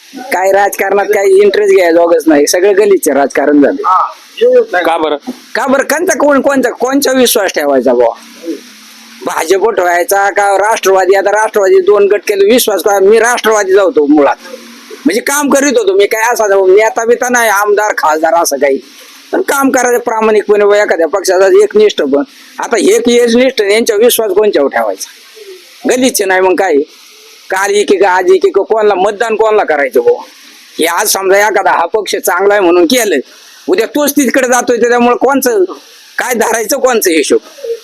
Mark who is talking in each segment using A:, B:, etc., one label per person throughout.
A: काय राजकारणात काही इंटरेस्ट घ्यायला नाही, सगळं गलीचे राजकारण झालं.
B: का बरं?
A: का बरं कोणचा विश्वास ठेवायचा बुवा? भाजप ठेवायचा का राष्ट्रवादी? आता राष्ट्रवादी 2 गट केले, विश्वास का? मी राष्ट्रवादी जातो मुळात, म्हणजे काम करीत होतो मी, काय असा नेता बिता नाही, आमदार खासदार असं काही, पण काम करायचं प्रामाणिकपणे एखाद्या पक्षाचा एकनिष्ठ. पण आता एक एकनिष्ठ यांच्या विश्वास कोणच्यावर ठेवायचा? गलीचे नाही मग काय? काल की आज की कोणाला मतदान कोणाला करायचं बुवा? हे आज समजा एखादा हा पक्ष चांगला आहे म्हणून केलं, उद्या तोच तिकडे जातोय, त्याच्यामुळे कोणचं काय धरायचं, कोणचं हिशोब?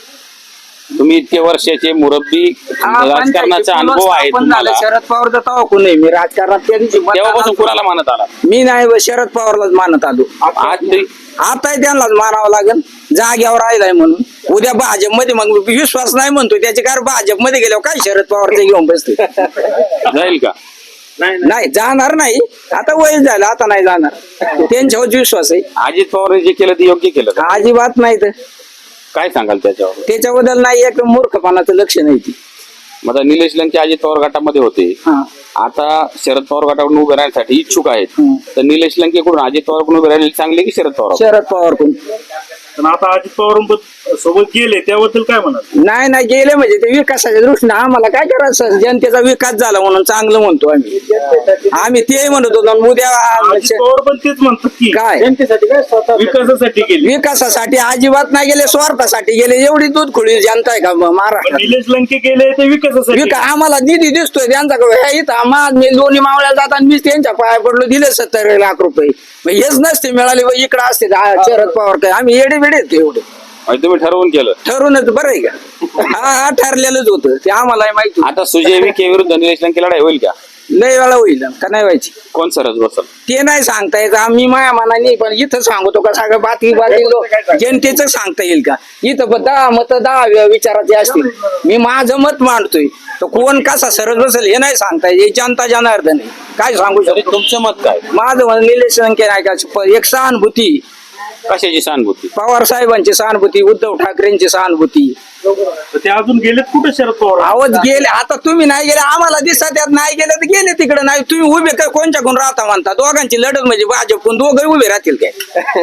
B: तुम्ही इतके वर्षाचे मुरब्बी, राजकारणाचा अनुभव आहे तुम्हाला.
A: शरद पवारचा तवा कोण नाही, मी राजकारणात त्या दिवशी
B: तेव्हापासून कुणाला मानत आला?
A: मी नाही, शरद पवारलाच मानत आलो.
B: आज तरी
A: आता त्यांनाच मानावं लागेल, जाग्यावर राहिलाय म्हणून. उद्या भाजपमध्ये मग विश्वास नाही म्हणतोय त्याचे, कारण भाजपमध्ये गेल्यावर काय शरद पवार ते घेऊन बसते?
B: जाईल का?
A: नाही जाणार नाही, आता वय झालं, आता नाही जाणार. त्यांच्यावर विश्वास आहे.
B: अजित पवार जे केलं ते योग्य केलं का?
A: अजिबात नाही. तर
B: काय सांगाल त्याच्यावर?
A: त्याच्याबद्दल नाही, एक मूर्खपणाचं लक्ष नाही ती.
B: आता निलेश लंके अजित पवार गटामध्ये होते, आता शरद पवार गटाकडून उभे राहण्यासाठी इच्छुक आहेत, तर निलेश लंकेकडून अजित पवार कडून उभे राहिलेले चांगले की शरद
A: पवार कोण?
C: पण आता अजित पवार सोबत गेले त्याबद्दल काय म्हणाल?
A: नाही गेले म्हणजे ते विकासाच्या दृष्टीने आम्हाला काय करायचं? जनतेचा विकास झाला म्हणून चांगलं म्हणतो आम्ही ते म्हणत होतो. उद्या
C: अजित पवार पण तेच म्हणतात की
A: काय
C: जनतेसाठी काय, स्वतः विकासासाठी गेले.
A: विकासासाठी अजिबात नाही गेले, स्वार्थासाठी गेले. एवढी दूध खुळी जनता आहे का महाराष्ट्रात?
C: निलेश लंके गेले ते विकासासाठी.
A: आम्हाला निधी दिसतोय त्यांचा, इथं मी दोन्ही मावळ्या जाताना मी त्यांच्या पाया पडलो, दिले 70 लाख रुपये. हेच नसते मिळाले, इकडे असते शरद पवार. काय आम्ही येडे वेडे एवढे?
B: तुम्ही ठरवून केलं?
A: ठरूनच बरं आहे का? हा ठरलेलंच होतं ते, आम्हाला माहिती.
B: आता सुजय विखे विरुद्ध निलेश लंके लढाई होईल का?
A: लय वेळा होईल का नाही व्हायची?
B: कोण सरस बसल
A: ते नाही सांगता येत. आम्ही माया मनाने, पण इथं सांगतो का सगळं बातमी जनतेचं सांगता येईल का? इथं 10 मत 10 विचाराचे असतील, मी माझं मत मांडतोय, तर कोण कसा सरस बसेल हे नाही सांगता येत. जनता जनार्दन आहे, काय सांगू शकतो?
B: तुमचं मत काय?
A: माझं मत निलेश लंके नाही का, एक सहानुभूती.
B: कशाची सहानुभूती?
A: पवार साहेबांची सहानुभूती, उद्धव ठाकरेंची सहानुभूती.
C: ते अजून गेलेत कुठे शरद पवार?
A: आवाज गेले. आता तुम्ही नाही गेले, आम्हाला दिसत यात नाही गेले तर गेले तिकडे. नाही तुम्ही उभे काय कोणच्याकडून राहता म्हणता? दोघांची लढत म्हणजे भाजपकडून दोघे उभे राहतील काय?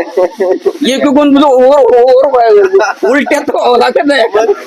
A: एकूण उलट्यात व्हावं लागत नाही.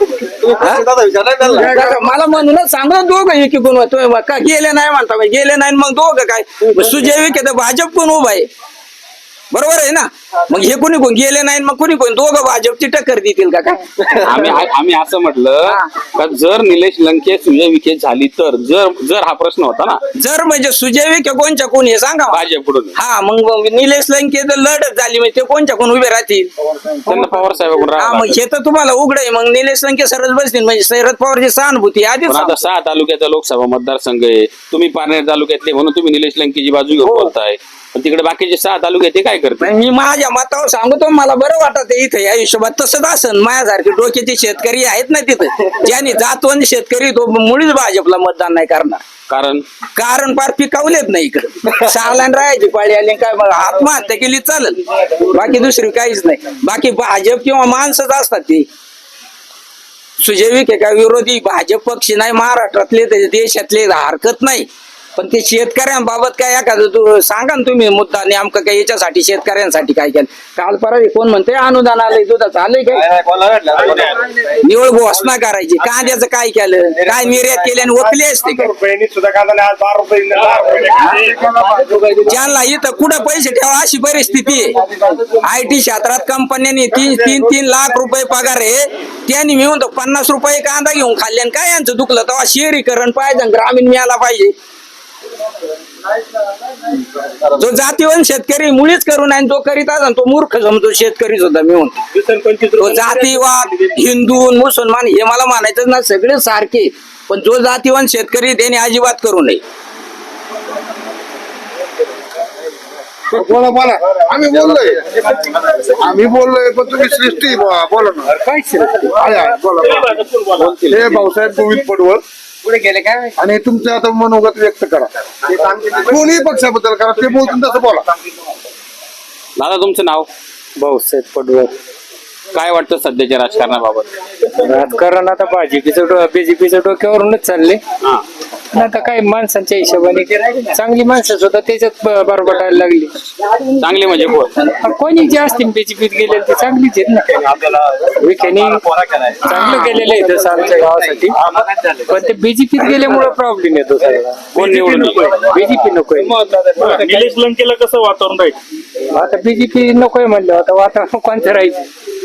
A: मला म्हणूनच सांगलं दोघं एकूण का गेले नाही म्हणता, गेले नाही मग दोघं काय? सुजय विखे तर भाजपकडून उभा आहे, बरोबर आहे ना? मग हे कोणी कोण गेले नाही, मग कोणी कोण दोघं भाजपची टक्कर देतील का काय?
B: आम्ही असं म्हटलं का जर निलेश लंके सुजय विखे झाली तर, जर हा प्रश्न होता ना,
A: जर म्हणजे सुजय विखे कोणच्या कोण हे सांगा
B: भाजपकडून.
A: हा मग निलेश लंके जर लढत झाली म्हणजे ते कोणच्या कोण उभे राहतील?
B: त्यांना पवार साहेबांकडून
A: हा मग हे तर तुम्हाला उघड आहे. मग निलेश लंके सरस बसतील म्हणजे शरद पवारची सहानुभूती आधीच.
B: आता 6 तालुक्याचा लोकसभा मतदारसंघ आहे, तुम्ही पारनेर तालुक्यातले म्हणून तुम्ही निलेश लंकेची बाजू घेऊन बोलताय, पण तिकडे बाकीचे 6 तालुके ते काय करते?
A: मी माझ्या मतावर सांगतो, मला बरं वाटत इथं या हिशोबात. तसंच असन माझ्यासारखे डोक्याचे शेतकरी आहेत ना तिथं, ज्यांनी जातवंत शेतकरी तो मुळीच भाजपला मतदान नाही करणार. कारण फार पिकावलेत नाही इकडे. सालान राहायची पाळी आली काय, बघा आत्महत्या केली चालत, बाकी दुसरी काहीच नाही. बाकी भाजप किंवा माणसंच असतात ती. सुजय विखे काय विरोधी भाजप पक्ष नाही महाराष्ट्रातले, देशातले, हरकत नाही. पण ते शेतकऱ्यांबाबत काय एखादं तू सांगा ना तुम्ही मुद्दा नेमकं काय याच्यासाठी शेतकऱ्यांसाठी काय केलं? काल परवा कोण म्हणते अनुदान आलंय, दुधाचं आलंय काय? निवळ घोषणा करायची. कांद्याचं काय केलं? काय निर्यात केली आणि ओपली असते का? ज्यांना इथं कुठं पैसे ठेवा अशी परिस्थिती आहे. IT क्षेत्रात कंपन्यांनी 3 लाख रुपये पगार आहे, त्यांनी मिळून तो 50 रुपये कांदा घेऊन खाल्ले. काय यांचं दुखलं? तेव्हा शहरीकरण पाहिजे, ग्रामीण मिळाला पाहिजे. जो जातीवंत शेतकरी मुळीच करू नये, जो करीत असेल तो मूर्ख समजतो शेतकरी सुद्धा. मिळून तो जातीवाद, हिंदू मुसलमान हे मला मानायचं ना, सगळे सारखे. पण जो जातीवंत शेतकरी त्याने अजिबात करू नये.
D: बोला आम्ही बोललोय पण तुम्ही सृष्टी बोला ना. काय सृष्टी? बोला. हे भाऊसाहेब गोविंद पडवळ
A: पुढे गेले काय?
D: आणि तुमचं आता मनोगत व्यक्त करा, कोणी पक्षाबद्दल करा, ते बोलतील तसं बोला.
B: दादा तुमचं नाव?
A: भाऊसाहेब पडवळ.
B: काय वाटतं सध्याच्या राजकारणाबाबत?
A: राजकारण आता बीजेपीच्या डोक्यावरूनच चालले.
E: पण आता काय माणसांच्या हिशोबाने चांगली माणसं सुद्धा त्याच्यात बरबटायला लागली.
B: चांगले म्हणजे कोण?
E: कोणी जे असतील बीजेपीत गेले ते चांगलीच आहेत ना. विखेनी चांगलं केलेलं आहे तसं आमच्या गावासाठी, पण ते बीजेपीत गेल्यामुळे प्रॉब्लेम येतो सगळा.
B: कोण निवडून
E: बीजेपी नकोय.
C: निलेश लंकेला कसं वातावरण राहील?
E: आता बीजेपी नकोय म्हणलं, आता वातावरण कोणतं राहायचं.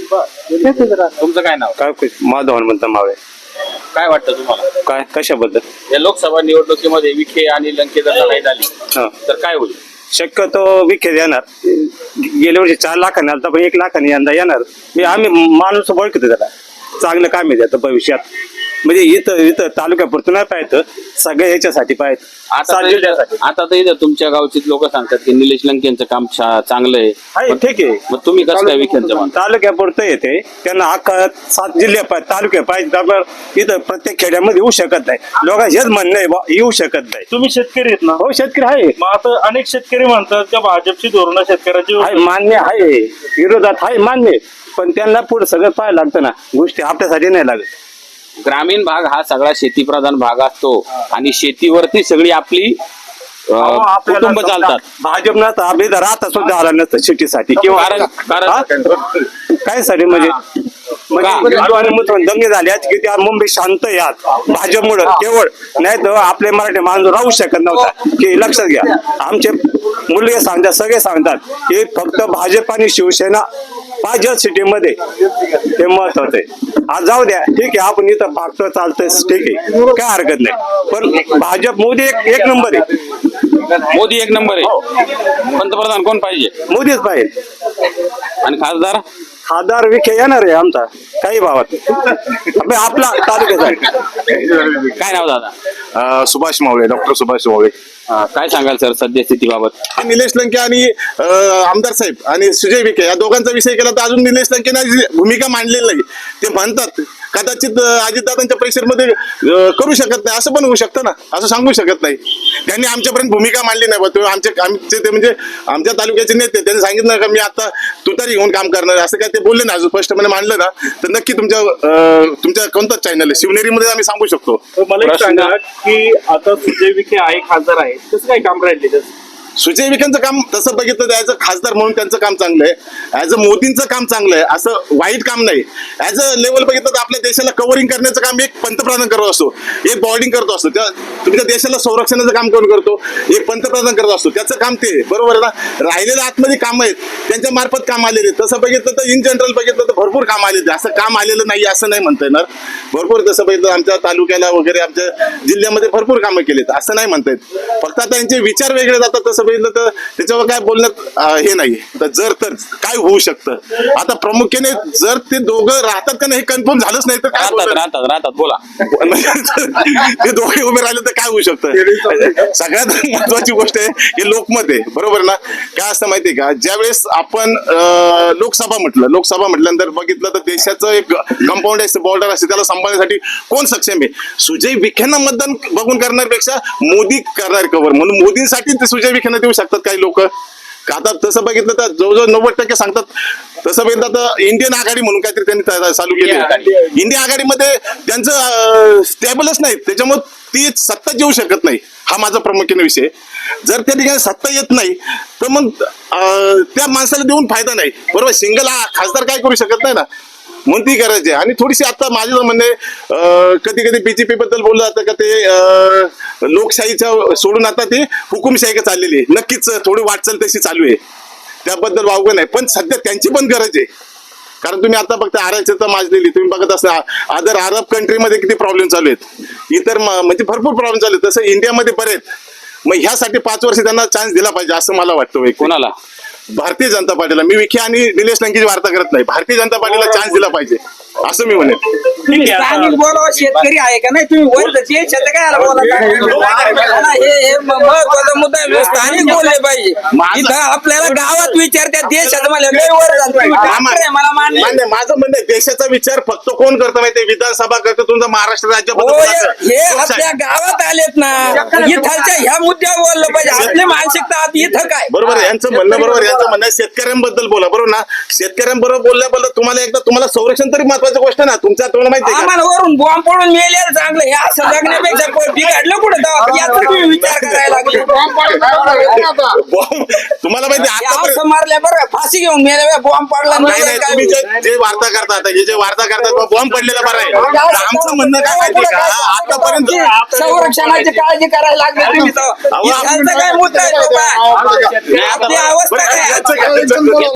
B: तुमचं काय नाव?
F: काय माधव हनुमंत मावळे.
B: काय वाटतं तुम्हाला
F: काय कशाबद्दल?
B: या लोकसभा निवडणुकीमध्ये विखे आणि लंके जर लढाई झाली
F: हा.
B: तर काय होईल?
F: शक्यतो विखे येणार. गेल्या वर्षी 4 लाखांनी आलता, पण 1 लाखांनी यंदा येणार. आम्ही माणूस ओळखतो त्याला, चांगलं काम आहे त्याचं भविष्यात. म्हणजे इथं तालुक्यापुरतं नाही पाहिजे, सगळ्या याच्यासाठी पाहिजे.
B: आता तर इथं तुमच्या गावची लोक सांगतात की निलेश लंकेंचं काम चांगलं आहे.
F: ठीक आहे.
B: मग तुम्ही कसं काय विखेंचं म्हणता?
F: तालुक्यापुरतं येते, त्यांना अख्खा 7 जिल्हे तालुक्या पाहिजे. त्यामुळे इथं प्रत्येक खेड्यामध्ये येऊ शकत नाही. लोकांचं हेच म्हणणं आहे बा, येऊ शकत नाही.
C: तुम्ही शेतकरी आहेत ना?
F: हो, शेतकरी आहे.
C: मग आता अनेक शेतकरी म्हणतात का भाजपची धोरणं शेतकऱ्याची
F: आहे, मान्य आहे, विरोधात आहे, मान्य. पण त्यांना पुढे सगळं पाहायला लागतं ना, गोष्टी आपल्यासाठी नाही लागत.
B: ग्रामीण भाग हा सगळा शेतीप्रधान भाग असतो आणि शेतीवरती सगळी आपली कुटुंब चालतात.
F: भाजप नसतं आपली इथं राहता सुद्धा आला नसतं शेतीसाठी किंवा काय साठी म्हणजे हिंदू आणि मुसलमान दंगे झाले आहेत की त्या मुंबई शांत यात भाजपमुळे केवळ. नाही तर आपले मराठी माणूस राहू शकत नव्हता. की लक्षात घ्या, आमचे मुलगे सांगतात, सगळे सांगतात की फक्त भाजप आणि शिवसेना पाहिजे सिटीमध्ये, ते महत्वाचं आहे. आज जाऊ द्या, ठीक आहे, आपण इथं पाकतो चालतंय, ठीक आहे, काय हरकत नाही. पण भाजप मोदी एक नंबर आहे.
B: मोदी एक नंबर आहे. पंतप्रधान कोण पाहिजे?
F: मोदीच पाहिजे.
B: आणि खासदार
F: विखे येणार आहे आमचा काही भावात आपला तालुक्याचा.
B: काय नाव दादा?
D: सुभाष मावळे, डॉक्टर सुभाष मावळे.
B: काय सांगाल सर सध्या स्थितीबाबत?
D: निलेश लंके आणि आमदार साहेब आणि सुजय विखे या दोघांचा विषय केला तर अजून निलेश लंकेने भूमिका मांडलेली नाही. ते म्हणतात कदाचित अजितदादांच्या प्रेशरमध्ये करू शकत नाही, असं पण होऊ शकतं ना, असं सांगू शकत नाही. त्यांनी आमच्यापर्यंत भूमिका मांडली नाही. आमचे ते म्हणजे आमच्या तालुक्याचे नेते त्यांनी सांगितलं का मी आता तुतारी घेऊन काम करणार, असं काय ते बोलले ना, अजून स्पष्टपणे मांडलं ना, तर नक्की तुमच्या कोणताच चॅनल आहे शिवनेरीमध्ये आम्ही सांगू शकतो.
C: मला एक सांगा की आता सुजय विखे आहे, खासदार आहे, कसं काय काम राहिले त्याचं?
D: सुजय विखेंचं काम तसं बघितलं तर ऍज अ खासदार म्हणून त्यांचं काम चांगलं आहे. ऍज अ मोदींचं काम चांगलं आहे, असं वाईट काम नाही. ऍज अ लेवल बघितलं तर आपल्या देशाला कव्हरिंग करण्याचं काम एक पंतप्रधान करत असतो, एक बॉर्डिंग करत असतो. तुमच्या देशाला संरक्षणाचं काम कोण करतो? एक पंतप्रधान करत असतो. त्याचं काम ते बरोबर आहे ना. राहिलेल्या आतमध्ये काम आहेत, त्यांच्या मार्फत काम आलेले. तसं बघितलं तर इन जनरल बघितलं तर भरपूर काम आलेले. असं काम आलेलं नाही असं नाही म्हणता येणार. भरपूर तसं बघितलं आमच्या तालुक्याला वगैरे आमच्या जिल्ह्यामध्ये भरपूर कामं केलीत, असं नाही म्हणता येत. फक्त आता त्यांचे विचार वेगळे जातात. तसं बघितलं तर त्याच्यावर काय बोलण्यात हे नाही. तर काय होऊ शकतं आता प्रामुख्याने जर ते दोघं राहतात का नाही हे कन्फर्म झालंच नाही तर
B: राहतात बोला.
D: ते दोघे उभे राहिले तर काय होऊ शकतं? सगळ्यात महत्वाची गोष्ट आहे हे लोकमत आहे, बरोबर ना. काय असतं माहितीये का, ज्यावेळेस आपण लोकसभा म्हटल्यानंतर बघितलं तर देशाचं एक कंपाऊंड असतं, बॉर्डर असते, त्याला सांभाळण्यासाठी कोण सक्षम आहे? सुजय विखेंना मतदान बघून करण्यापेक्षा मोदी करणार कव्हर, म्हणून मोदींसाठी ते सुजय विखेंना देऊ शकतात काही लोक. आता तसं बघितलं तर जवळजवळ 90% सांगतात. तसं बघितलं तर इंडियन आघाडी म्हणून काहीतरी त्यांनी चालू केली. इंडिया आघाडीमध्ये त्यांचं स्टेबलच नाही, त्याच्यामुळे ती सत्ता येऊ शकत नाही. हा माझा प्रामुख्याने विषय. जर त्या ठिकाणी सत्ता येत नाही तर मग त्या माणसाला देऊन फायदा नाही, बरोबर. सिंगल खासदार काय करू शकत नाही ना, म्हणून ती करायची. आणि थोडीशी आता माझं म्हणणे, कधी कधी बीजेपी बद्दल बोललं जातं का ते लोकशाहीच्या सोडून आता ते हुकुमशाही चाललेली आहे. नक्कीच थोडी वाटचाल तशी चालू आहे, त्याबद्दल वावगं नाही. पण सध्या त्यांची पण गरज आहे, कारण तुम्ही आता फक्त आरक्षणाचा माजलेली तुम्ही बघत असता. अदर अरब कंट्रीमध्ये किती प्रॉब्लेम चालू आहेत, इतर म्हणजे भरपूर प्रॉब्लेम चालू आहेत. तसं इंडियामध्ये बरेच. मग ह्यासाठी 5 वर्ष त्यांना चान्स दिला पाहिजे असं मला वाटतं.
B: कोणाला?
D: भारतीय जनता पार्टीला. मी विखे आणि निलेश लंकेची वार्ता करत नाही, भारतीय जनता पार्टीला चान्स दिला पाहिजे असं मी म्हणेन.
A: स्थानिक बोलावं, शेतकरी आहे का नाही? तुम्ही वैद्यकीय क्षेत्र काय हे महत्वाचा मुद्दा आहे. स्थानिक बोलले पाहिजे. इथं आपल्याला गावात विचारतात, देशात मला मला मान्य.
D: माझं म्हणणं आहे, देशाचा विचार फक्त कोण करतं माहितीये? विधानसभा करतं, तुमचं महाराष्ट्र राज्य.
A: हे आपल्या गावात आलेत ना, इथलच्या ह्या मुद्द्यावर बोललं पाहिजे. आपली मानसिकता इथं काय?
D: बरोबर आहे, यांचं म्हणणं बरोबर. यांचं म्हणणं शेतकऱ्यांबद्दल बोला, बरोबर ना. शेतकऱ्यांबरोबर बोलल्याबद्दल तुम्हाला संरक्षण तरी महत्वाचं महत्वाची गोष्ट ना तुमच्या तोंड माहिती का
A: आम्हाला वरून बॉम्ब पडून मेलेलं चांगलं हे असं जगण्यापेक्षा बिघडलं कुठं तेव्हा याचा तुम्ही विचार करायला लागले
D: तुम्हाला माहिती
A: हे
D: आता
A: असं मारल्या बरं फाशी घेऊन मेल्या बॉम्ब पडला
D: नाही नाही तुम्ही जे वार्ता करतात हे जे वार्ता करतात बॉम्ब पडलेला बरं आहे तर आमचं म्हणणं काय माहिती का आतापर्यंत
A: संरक्षणाची काळजी करायला लागली तुम्ही तर.
D: अहो,
A: इथालचा काय मुद्दा आहे तो काय? आपली अवस्था काय
D: याचं काय-